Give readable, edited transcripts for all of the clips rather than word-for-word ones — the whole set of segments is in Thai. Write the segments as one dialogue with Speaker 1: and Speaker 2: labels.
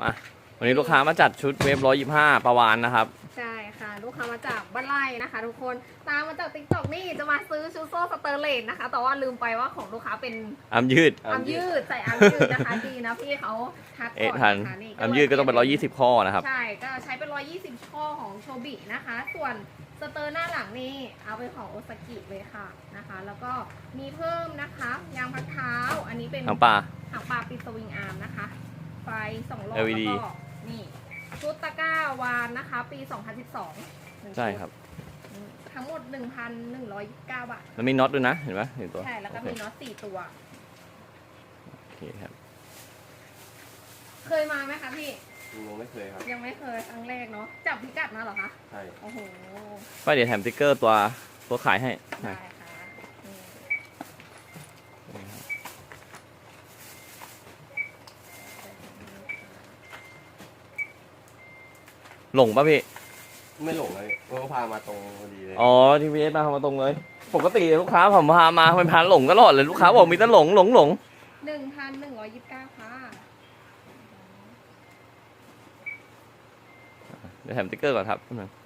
Speaker 1: มาวันนี้ลูกค้ามาจัดชุดเวฟ125ประวานนะครับ
Speaker 2: ใช่ค่ะลูกค้ามาจากบ้านไร่นะคะทุกคนตามมาจากติ๊กต็อกนี่จะมาซื้อชุดโซ่สเตอร์เลสนะคะแต่ว่าลืมไปว่าของลูกค้าเป็น
Speaker 1: อัมยืด
Speaker 2: อัมยืดใส่อัมยืดนะคะดีนะพี่เขาทักก่อน
Speaker 1: ทัน
Speaker 2: นะคะนี่
Speaker 1: อัมยืดก็ต้องเป็น120ข้อนะครับ
Speaker 2: ใช่ก็ใช้เป็น120ข้อของโชบินะคะส่วนสเตอร์หน้าหลังนี่เอาเป็นของโอซากิเลยค่ะนะคะแล้วก็มีเพิ่มนะคะยางพักเท้าอันนี้เป็น
Speaker 1: หางปลา
Speaker 2: ปิดสวิงอาร์มนะคะไฟ2 รอบ
Speaker 1: LED
Speaker 2: แล้วก็นี่ชุดตะกร้าวานนะคะปี 2012
Speaker 1: ใช่ครับ
Speaker 2: ทั้งหมด 1,129 บาท
Speaker 1: มันมีน็อตด้วยนะเห็นไหมเห็นตัว
Speaker 2: ใช่แล้วก็มีน็อต4 ตัว
Speaker 1: โอเคครับ
Speaker 2: เคยมาไหมคะพี่
Speaker 3: ยังไม่เคยครับ
Speaker 2: ยังไม่เคยครั้งแรกเนาะจับพิกัดมาเหรอคะ
Speaker 3: ใช่
Speaker 2: โอ้โห
Speaker 1: ก็เดี๋ยวแถมสติ๊กเกอร์ตัวขายให้
Speaker 2: ได้ค่ะ
Speaker 1: หลงป่ะพี่
Speaker 3: ไม่หลงเลยเขาพามาตรงพอดีเลย
Speaker 1: อ๋อที่พีเอสมาตรงเลยปกติลูกค้าผมพามาเป็นพาหลงตลอดเลยลูกค้าบอกมีแต่หลง
Speaker 2: 1,129ค่ะ
Speaker 1: เดี๋ยวแถมสติ๊กเกอร์ก่อนครับ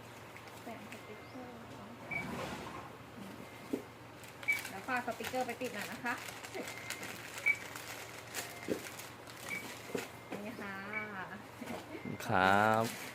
Speaker 2: แล้วฝากสติ๊กเกอร์ไปติดหน่อยนะคะนี่ค่ะ
Speaker 1: ครับ